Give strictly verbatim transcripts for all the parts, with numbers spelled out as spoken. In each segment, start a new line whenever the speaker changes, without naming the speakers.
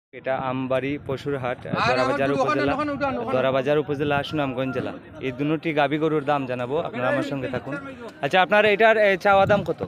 এটা আমবাড়ি পশুর হাট, দরাবাজার উপজেলা দরাবাজার উপজেলা সুনামগঞ্জ জেলা। এই দুটি গাভী গরুর দাম জানাবো, আপনারা আমার সঙ্গে থাকুন। আচ্ছা, আপনার এটার এ, চাওয়া দাম কত?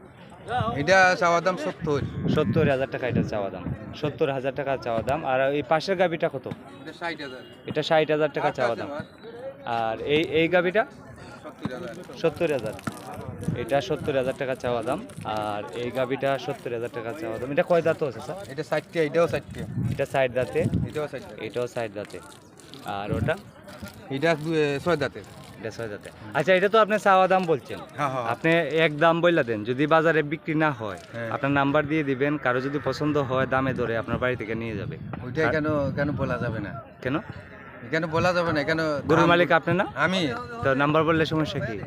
এটা চাওয়া দাম সত্তর
সত্তর হাজার টাকা এটা চাওয়া দাম, সত্তর হাজার টাকা চাওয়া দাম। আর এই পাশের গাভীটা কত?
এটা ষাট হাজার
এটা ষাট হাজার টাকা চাওয়া দাম। আর এই এই গাভীটা
সত্তর হাজার
সত্তর হাজার, এটা সত্তর হাজার টাকা চাওয়া দাম। আর এই গাভীটা সত্তর হাজার টাকা চাওয়া দাম। এটা কয় দাঁত আছে স্যার?
এটা ষাটটা, এটাও ষাটটা,
এটা সাইড দাঁতে,
এটাও ষাটটা,
এটাও সাইড দাঁতে। আর ওটা
এটা দু- এ, ছয় দাঁতের।
এটা ছয় দাঁতে। আচ্ছা, এটা তো আপনি চাওয়া দাম বলছেন,
হ্যাঁ হ্যাঁ
আপনি এক দাম বললা দেন। যদি বাজারে বিক্রি না হয়,
হ্যাঁ।
আপনার নাম্বার দিয়ে দিবেন, কারো যদি পছন্দ হয় দামে ধরে আপনার বাড়ি থেকে নিয়ে যাবে।
ওইটা কেন কেন বলা যাবে না?
কেন?
কেন বলা যাবে না? কেন
গরুর
দাম-
মালিক আপনি না,
আমি
তো নাম্বার বললে সমস্যা কি?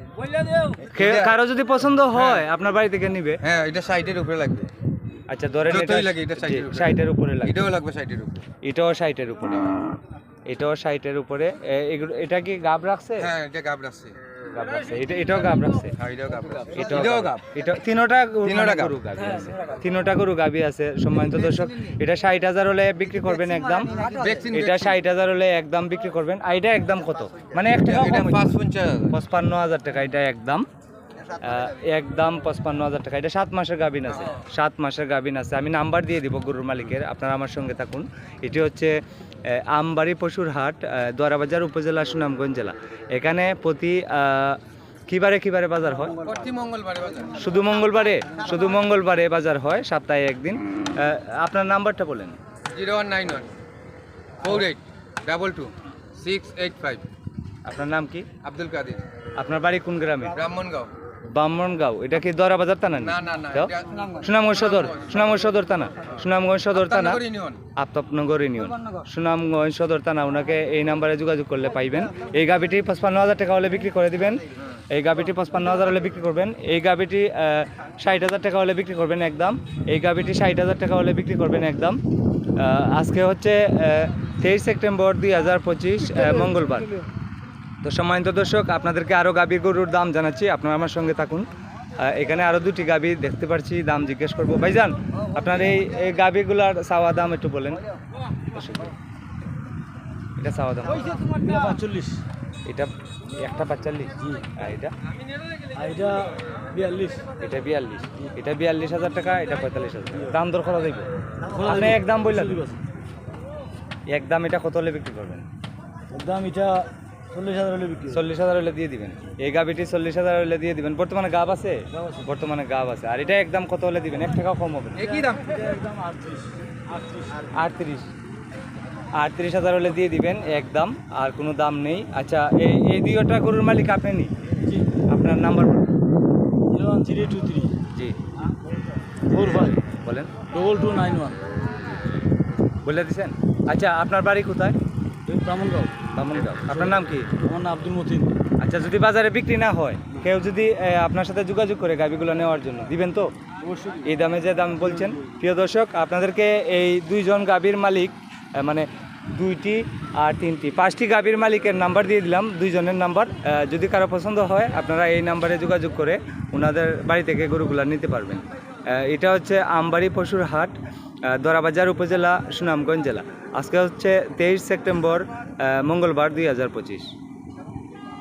কে- কারো যদি পছন্দ হয় আপনার বাড়ি থেকে নিবে।
হ্যাঁ, এটা ষাটের উপরে লাগবে।
আচ্ছা, ধরেন এটা
যতই লাগে এটা ষাটের উপরে।
ষাটের উপরে লাগে,
এটাও লাগবে ষাটের উপরে।
এটাও ষাটের উপরে, এটাও ষাটের উপরে। এ- এগুলো- এটা কি গাব রাখছে?
হ্যাঁ, এটা গাব রাখছে।
গাব রাখছে। এটা এটাও গাব রাখছে,
হ্যাঁ, এটাও গাব রাখছে।
এটাও
এটাও
গাব।
গাব।
এটা তিনোটা গরু-
তিনোটা গাব।
গরু গাবি আছে, তিনোটা গরু গাবি আছে। সম্মানিত দর্শক, এটা ষাট হাজার হলে বিক্রি করবেন একদম,
ভ্যাকসিন,
এটা ষাট হাজার হলে একদম বিক্রি করবেন। আর এটা একদম কত, মানে এক টাকা
এটা
কম,
পাঁচ পঞ্চাশ হাজার।
পঁচপান্ন হাজার টাকা এটা একদম, আহ, একদম পঁচপান্ন হাজার টাকা। এটা সাত মাসের গাভিন আছে, সাত মাসের গাভিন আছে। আমি নাম্বার দিয়ে দিব গরুর মালিকের, আপনারা আমার সঙ্গে থাকুন। এটি হচ্ছে আহ, আমবাড়ি পশুর হাট, আহ, দরাবাজার উপজেলা সুনামগঞ্জ জেলা। এখানে প্রতি আহ, কিবারে কিবারে বাজার হয়?
প্রতি মঙ্গলবারে বাজার।
শুধু মঙ্গলবারে, শুধু মঙ্গলবারে বাজার হয়, সপ্তাহে একদিন। আহ, আপনার নাম্বারটা বলেন।
Zero one nine one four eight double two six eight five.
আপনার নাম কি?
আব্দুল কাদের,
আপনার বাড়ি কোন গ্রামে?
ব্রাহ্মণগাঁও।
বামনগাঁও। এটা কি দরাবাজার থানা?
না না না,
তো?
এটা
সুনামগঞ্জ সদর, সুনামগঞ্জ সদর থানা, সুনামগঞ্জ সদর থানা,
আফতাবনগর ইউনিয়ন।
আফতাবনগর ইউনিয়ন, সুনামগঞ্জ সদর থানা। ওনাকে এই নাম্বারে যোগাযোগ করলে পাইবেন। এই গাভিটি পঁচপান্ন হাজার টাকা হলে বিক্রি করে দিবেন, এই গাভিটি পঁচপান্ন হাজার হলে বিক্রি করবেন। এই গাভিটি ষাট হাজার টাকা হলে বিক্রি করবেন একদম, এই গাভিটি ষাট হাজার টাকা হলে বিক্রি করবেন একদম। আহ, আজকে হচ্ছে তেইশ সেপ্টেম্বর দুই হাজার পঁচিশ মঙ্গলবার। তো সম্মানিত দর্শক, আপনাদেরকে আরও গাভীর গরুর দাম জানাচ্ছি, আপনারা আমার সঙ্গে থাকুন। আহ, এখানে আরও দুটি গাভী দেখতে পাচ্ছি, দাম জিজ্ঞেস করবো। ভাইজান, আপনার এই এই গাভীগুলার চাওয়া দাম একটু বলেন। এটা চাওয়া দাম
পাঁচচল্লিশ,
এটা একটা পাঁচচল্লিশ, আর এটা
এটা বিয়াল্লিশ,
এটা বিয়াল্লিশ, এটা বিয়াল্লিশ হাজার টাকা, এটা পঁয়তাল্লিশ হাজার টাকা। দাম দর করা যাইব? আপনি একদম বললেন, একদম এটা কত হলে বিক্রি করবেন?
দাম এটা চল্লিশ হাজার হলে বিক্রি।
চল্লিশ হাজার হলে দিয়ে দিবেন। এই গাভিটি চল্লিশ হাজার হলে দিয়ে দিবেন। বর্তমানে গাব আছে, বর্তমানে গাব আছে। আর এটা একদম কত হলে দিবেন? এক টাকাও কম হবে না।
একই দাম।
একদম আটত্রিশ, আটত্রিশ।
আটত্রিশ, আটত্রিশ হাজার হলে দিয়ে দিবেন একদম, আর কোনো দাম নেই। আচ্ছা, এই এই দুইটা গরুর মালিক আপনি নি?
জি,
আপনার নাম্বার বলুন।
Zero one three two three
জি
ফোর ফাইভ
বলেন,
ডবল টু নাইন ওয়ান।
বলে দিছেন। আচ্ছা, আপনার বাড়ি কোথায়?
ব্রাহ্মণগাঁও।
বামনগাঁও। আপনার নাম কি?
আমার নাম আব্দুল মতিন।
আচ্ছা, যদি বাজারে বিক্রি না হয়, কেউ যদি এ, আপনার সাথে যোগাযোগ করে গাভিগুলো নেওয়ার জন্য, দিবেন তো?
অবশ্যই।
এই দামে যে দাম বলছেন। প্রিয় দর্শক, আপনাদেরকে এই দুইজন গাভীর মালিক, আহ, মানে দুইটি আর তিনটি পাঁচটি গাভীর মালিকের নাম্বার দিয়ে দিলাম, দুইজনের নাম্বার। আহ, যদি কারো পছন্দ হয়, আপনারা এই নাম্বারে যোগাযোগ করে ওনাদের বাড়ি থেকে গরুগুলা নিতে পারবেন। আহ, এটা হচ্ছে আমবাড়ি পশুর হাট, আহ, দরাবাজার উপজেলা, সুনামগঞ্জ জেলা। আজকে হচ্ছে তেইশ সেপ্টেম্বর, আহ, মঙ্গলবার দুই হাজার পঁচিশ।